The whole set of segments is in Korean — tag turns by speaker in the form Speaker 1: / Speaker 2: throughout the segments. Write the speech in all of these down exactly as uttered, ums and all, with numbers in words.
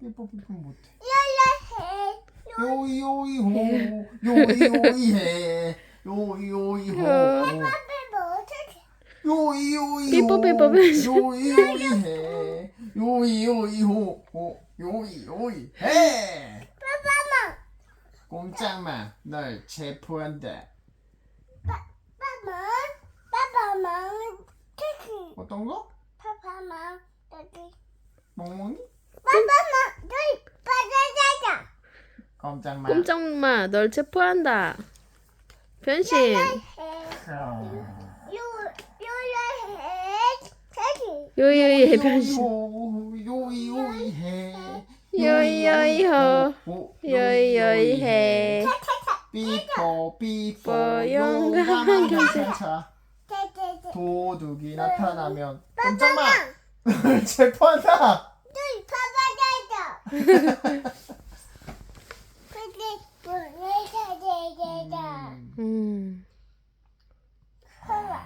Speaker 1: 삐뽀 삐뽀 못해.
Speaker 2: 열라해.
Speaker 1: 요이요이호 요이요이해 요이요이호 요이요이호
Speaker 3: 삐뽀 삐뽀 삐뽀.
Speaker 1: 요이요이해 요이요이호 요이요이해.
Speaker 2: 빠빠마.
Speaker 1: 꼼짝마 널 체포한다.
Speaker 2: 빠빠마. 빠빠마. 테키.
Speaker 1: 어떤 거?
Speaker 2: 빠빠마. 여기.
Speaker 1: 멍멍이?
Speaker 2: 빠빠마. 저기 빠자자자.
Speaker 1: 꼼짝마.
Speaker 3: 꼼짝마, 널 체포한다. 변신.
Speaker 2: 해.
Speaker 1: 아.
Speaker 2: 요 열라해. 테키.
Speaker 3: 요요이해 변신.
Speaker 1: 요이요이해
Speaker 3: 요이요이호. 요이요이해.
Speaker 1: 삐뽀 삐뽀
Speaker 3: 용감한
Speaker 1: 용감한
Speaker 3: 경찰차.
Speaker 1: 경찰차.
Speaker 2: 테테테.
Speaker 1: 도둑이 나타나면 꼼짝마
Speaker 2: 빠빠마.
Speaker 1: 체포한다.
Speaker 2: 저기 빠자자자. 근데 뭐래자자자자.
Speaker 3: 음.
Speaker 2: 봐봐.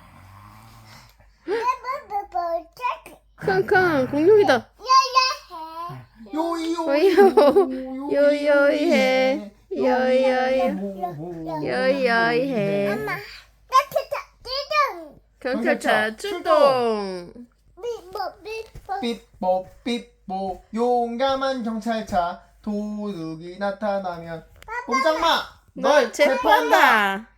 Speaker 2: 빠빠빠빠. 테키.
Speaker 3: 킁킁 공룡이다.
Speaker 2: 열라해.
Speaker 1: 요이요이호
Speaker 3: 요이요이해. 요이요이. 요이요이해.
Speaker 2: 엄마. 따뜻한 띠동.
Speaker 3: 경찰차 출동.
Speaker 2: 삐뽀 삐뽀.
Speaker 1: 삐뽀 삐뽀 용감한 경찰차. 도둑이 나타나면 꼼짝마
Speaker 3: 널 체포한다.